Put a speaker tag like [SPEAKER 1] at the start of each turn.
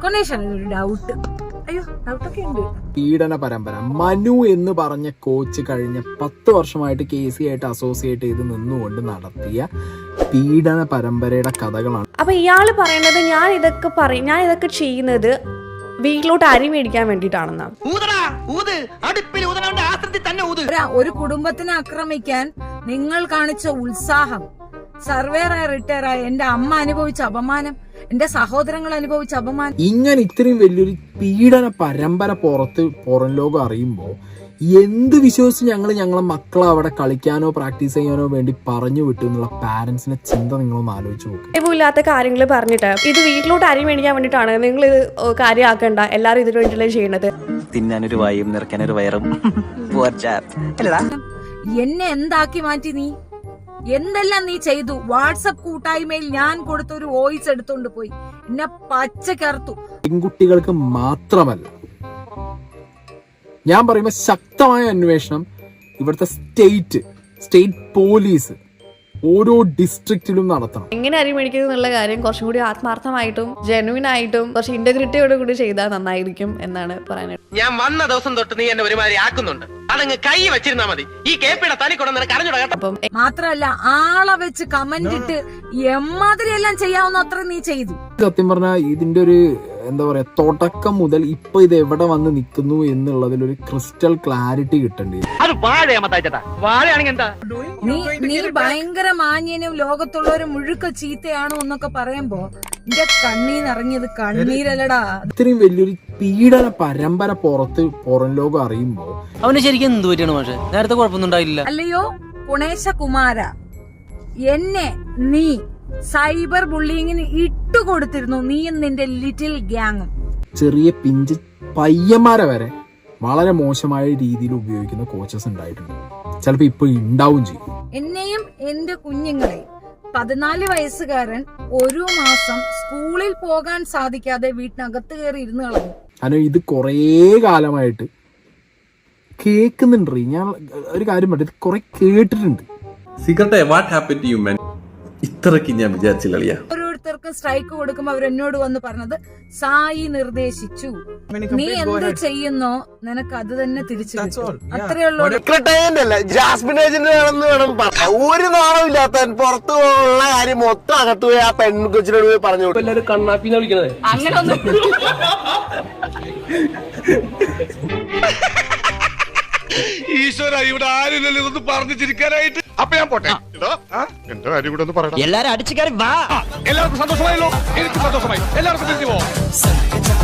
[SPEAKER 1] കൊണ്ടേഷാണ് doubt. അയ്യോ ഡൗട്ടൊക്കെ ഉണ്ട്.
[SPEAKER 2] പീഡന പരമ്പര. മനു എന്ന് പറഞ്ഞ കോച്ച് കഴിഞ്ഞ 10 വർഷമായിട്ട് KC ആയിട്ട് അസോസിയേറ്റ് ചെയ്ത് നിന്നുകൊണ്ട് നടത്തിയ പീഡന പരമ്പരയുടെ കഥകളാണ്.
[SPEAKER 3] അപ്പൊ ഇയാള് പറയുന്നത് ഞാൻ ഇതൊക്കെ ചെയ്യുന്നത് വീട്ടിലോട്ട് അരി മേടിക്കാൻ വേണ്ടിട്ടാണെന്നാ.
[SPEAKER 1] ഒരു കുടുംബത്തിനെ ആക്രമിക്കാൻ നിങ്ങൾ കാണിച്ച ഉത്സാഹം, സർവേറായി റിട്ടയർ ആയ എന്റെ അമ്മ അനുഭവിച്ച അപമാനം, എന്റെ സഹോദരങ്ങൾ അനുഭവിച്ച അപമാനം,
[SPEAKER 2] ഇങ്ങനെ ഇത്രയും വലിയൊരു പീഡന പരമ്പര പുറം ലോകം അറിയുമ്പോ എന്ത് വിശ്വസിച്ച് ഞങ്ങളെ മക്കളെ അവിടെ കളിക്കാനോ പ്രാക്ടീസ് ചെയ്യാനോ വേണ്ടി പറഞ്ഞു വിട്ടു എന്നുള്ള പാരന്റ്സിന്റെ ചിന്ത നിങ്ങളൊന്ന് ആലോചിച്ച് നോക്കും.
[SPEAKER 3] ഇല്ലാത്ത കാര്യങ്ങൾ പറഞ്ഞിട്ട് ഇത് വീട്ടിലോട്ട് അരി മേടിക്കാൻ വേണ്ടിട്ടാണ്, നിങ്ങൾ ഇത് കാര്യമാക്കണ്ട, എല്ലാരും ഇതിനു വേണ്ടിയല്ലേ ചെയ്യണത്.
[SPEAKER 4] തിന്നാനൊരു വായും നിറയ്ക്കാനൊരു വയറും.
[SPEAKER 1] എന്നെ എന്താക്കി മാറ്റി നീ? എന്തെല്ലാം നീ ചെയ്തു? വാട്സപ്പ് കൂട്ടായ്മയിൽ ഞാൻ കൊടുത്തൊരു വോയിസ് എടുത്തോണ്ട് പോയി എന്നെ പച്ചക്കറുത്തു.
[SPEAKER 2] പെൺകുട്ടികൾക്ക് മാത്രമല്ല, ഞാൻ പറയുമ്പോ ശക്തമായ അന്വേഷണം ഇവിടുത്തെ സ്റ്റേറ്റ് പോലീസ് ഓരോ ഡിസ്ട്രിക്റ്റിലും നടത്തണം.
[SPEAKER 3] എങ്ങനെ അരി മേടിക്കുന്നത് എന്നുള്ള കാര്യം കുറച്ചും കൂടി ആത്മാർത്ഥമായിട്ടും ജെനുവിൻ ആയിട്ടും കുറച്ച് ഇന്റഗ്രിറ്റിയോട് കൂടി ചെയ്താൽ നന്നായിരിക്കും എന്നാണ് പറയാനായിട്ട്.
[SPEAKER 5] ഞാൻ വന്ന ദിവസം തൊട്ട് നീ എന്നെ ഒരുമാതിരി ആക്കുന്നുണ്ട്. അതങ്ങ് കൈ വെച്ചിരുന്നാ മതി. ഈ കേപ്പിയുടെ തനി കൊണ്ടു നിനക്ക് അറിഞ്ഞൂടാ കേട്ടോ.
[SPEAKER 3] അപ്പം
[SPEAKER 1] മാത്രല്ല ആളെ വെച്ച് കമന്റ് ഇട്ട് എമ്മാതിരി എല്ലാം ചെയ്യാവുന്ന അത്ര നീ ചെയ്തു.
[SPEAKER 2] സത്യം പറഞ്ഞാൽ ഇതിന്റെ ഒരു എന്താ പറയാ, തുടക്കം മുതൽ ഇപ്പൊ ഇത് എവിടെ വന്ന് നിൽക്കുന്നു എന്നുള്ളതിൽ ഒരു ക്രിസ്റ്റൽ ക്ലാരിറ്റി കിട്ടേണ്ടി.
[SPEAKER 1] നീ ഭയങ്കര മാന്യനും ലോകത്തുള്ളവരും മുഴുക്ക ചീത്തയാണോ എന്നൊക്കെ പറയുമ്പോ എന്റെ കണ്ണീന്നിറങ്ങിയത് കണ്ണീരല്ലടാ.
[SPEAKER 2] ഇത്രയും വലിയൊരു പീഡന പരമ്പര പുറം ലോകം അറിയുമ്പോ
[SPEAKER 4] അവന് ശരിക്കും എന്ത് പറ്റിയാണ്? പക്ഷെ നേരത്തെ കുഴപ്പമൊന്നും ഉണ്ടായില്ല.
[SPEAKER 1] അല്ലയോ ഗുണേശ കുമാര, എന്നെ നീ സൈബർ ബുള്ളിങ്ങിന് ഇട്ടുകൊടുത്തിരുന്നു, നീയും നിന്റെ ലിറ്റിൽ ഗ്യാങ്ങും.
[SPEAKER 2] ചെറിയ പിഞ്ച് പയ്യന്മാരെ വരെ വളരെ മോശമായ രീതിയിൽ ഉപയോഗിക്കുന്ന കോച്ചസ് ഉണ്ടായിട്ടുണ്ട്. ചിലപ്പോ ഇപ്പൊ ഉണ്ടാവും ചെയ്യും.
[SPEAKER 1] എന്നെയും എന്റെ കുഞ്ഞുങ്ങളെയും 14 വയസ്സുകാരൻ ഒരു മാസം സ്കൂളിൽ പോകാൻ സാധിക്കാതെ വീട്ടിനകത്ത് കയറി ഇരുന്ന് കളഞ്ഞു.
[SPEAKER 2] കാരണം ഇത് കുറേ കാലമായിട്ട് കേൾക്കുന്നുണ്ട്. ഞാൻ ഒരു കാര്യം പറഞ്ഞു, ഇത് കുറെ കേട്ടിട്ടുണ്ട്.
[SPEAKER 6] ഇത്രക്ക് ഞാൻ വിചാരിച്ചില്ല.
[SPEAKER 1] ഓരോരുത്തർക്കും സ്ട്രൈക്ക് കൊടുക്കുമ്പോ അവരെന്നോട് വന്ന് പറഞ്ഞത് സായി നിർദ്ദേശിച്ചു, നീ എന്ത് ചെയ്യുന്നോ നിനക്ക് അത് തന്നെ തിരിച്ചു കിട്ടും. അത്രേ ഉള്ളൂ.
[SPEAKER 7] ഒരു നാളമില്ലാത്ത പുറത്തു പോകാനുള്ള കാര്യം മൊത്തം അകത്ത് പോയി ആ പെൺകൊച്ചിനോട് പോയി പറഞ്ഞു കൊടുക്കും.
[SPEAKER 5] കണ്ണാപ്പിന്ന് വിളിക്കണത്
[SPEAKER 1] അങ്ങനൊന്നും
[SPEAKER 8] ഈശ്വര, ഇവിടെ ആരില്ലല്ലോ ഇതൊന്ന് പറഞ്ഞു ചിരിക്കാനായിട്ട്. അപ്പൊ ഞാൻ പോട്ടെ. എന്റെ കാര്യം കൂടെ ഒന്ന് പറയണം.
[SPEAKER 4] എല്ലാരും അടിച്ചു കയറി വാ.
[SPEAKER 8] എല്ലാവർക്കും സന്തോഷമായല്ലോ? എനിക്ക് സന്തോഷമായി. എല്ലാവർക്കും തിരിച്ചു പോവാം.